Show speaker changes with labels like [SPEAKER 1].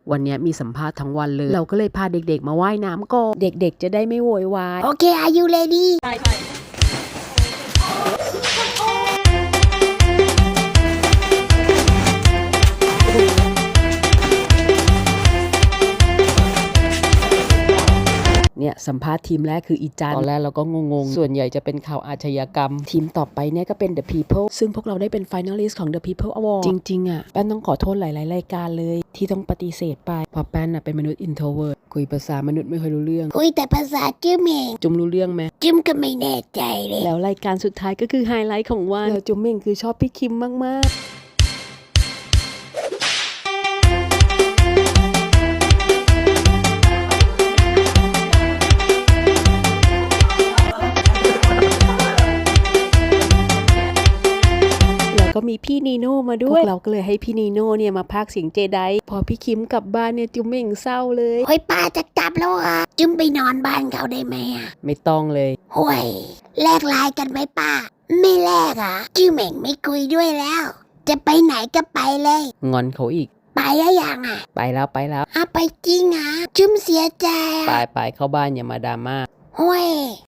[SPEAKER 1] วันนี้มีสัมภาษณ์ทั้งวันเลยเราก็เลยพาเด็กๆมาว่ายน้ำก่อนเด็กๆจะได้ไม่โวยวาย
[SPEAKER 2] โอเค are you ready
[SPEAKER 1] เนี่ยสัมภาษณ์ทีมแรกคืออีจันตอนแรกเราก็งงๆส่วนใหญ่จะเป็นข่าวอาชญากรรมทีมต่อไปเนี่ยก็เป็น The People ซึ่งพวกเราได้เป็น Finalist ของ The People Award จริงๆอ่ะแป้นต้องขอโทษหลายๆรายการเลยที่ต้องปฏิเสธไปเพราะแป้นน่ะเป็นมนุษย์ introvert คุยภาษามนุษย์ไม่ค่อยรู้เรื่อง
[SPEAKER 2] คุยแต่ภาษาจิ้มเอง
[SPEAKER 1] จุมรู้เรื่องไหม
[SPEAKER 2] จิ้มก็ไม่แน่ใจเลย
[SPEAKER 1] แล้วรายการสุดท้ายก็คือไฮไลท์ของวันแล้วจุมเม่งคือชอบพี่คิมมากๆก็มีพี่นีโน่มาด้วยพวกเราก็เลยให้พี่นีโน่เนี่ยมาพากย์เสียงเจไดพอพี่คิมกลับบ้านเนี่ยจุมเม่งเศร้าเลย
[SPEAKER 2] เฮ้ยป้าจะกลับแล้วอ่ะจิ้มไปนอนบ้านเขาได้ไหมอ่ะ
[SPEAKER 1] ไม่ต้องเลย
[SPEAKER 2] ห่วยแลกไลน์กันไหมป้าไม่แลกอ่ะจิ้มเองไม่คุยด้วยแล้วจะไปไหนก็ไปเลย
[SPEAKER 1] งอนเขาอีก
[SPEAKER 2] ไปแล้วยังอ่ะ
[SPEAKER 1] ไปแล้ว
[SPEAKER 2] ไปจริงอ่ะจิ้มเสียใจ
[SPEAKER 1] ไปเข้าบ้านอย่ามาดราม่า
[SPEAKER 2] ห่วย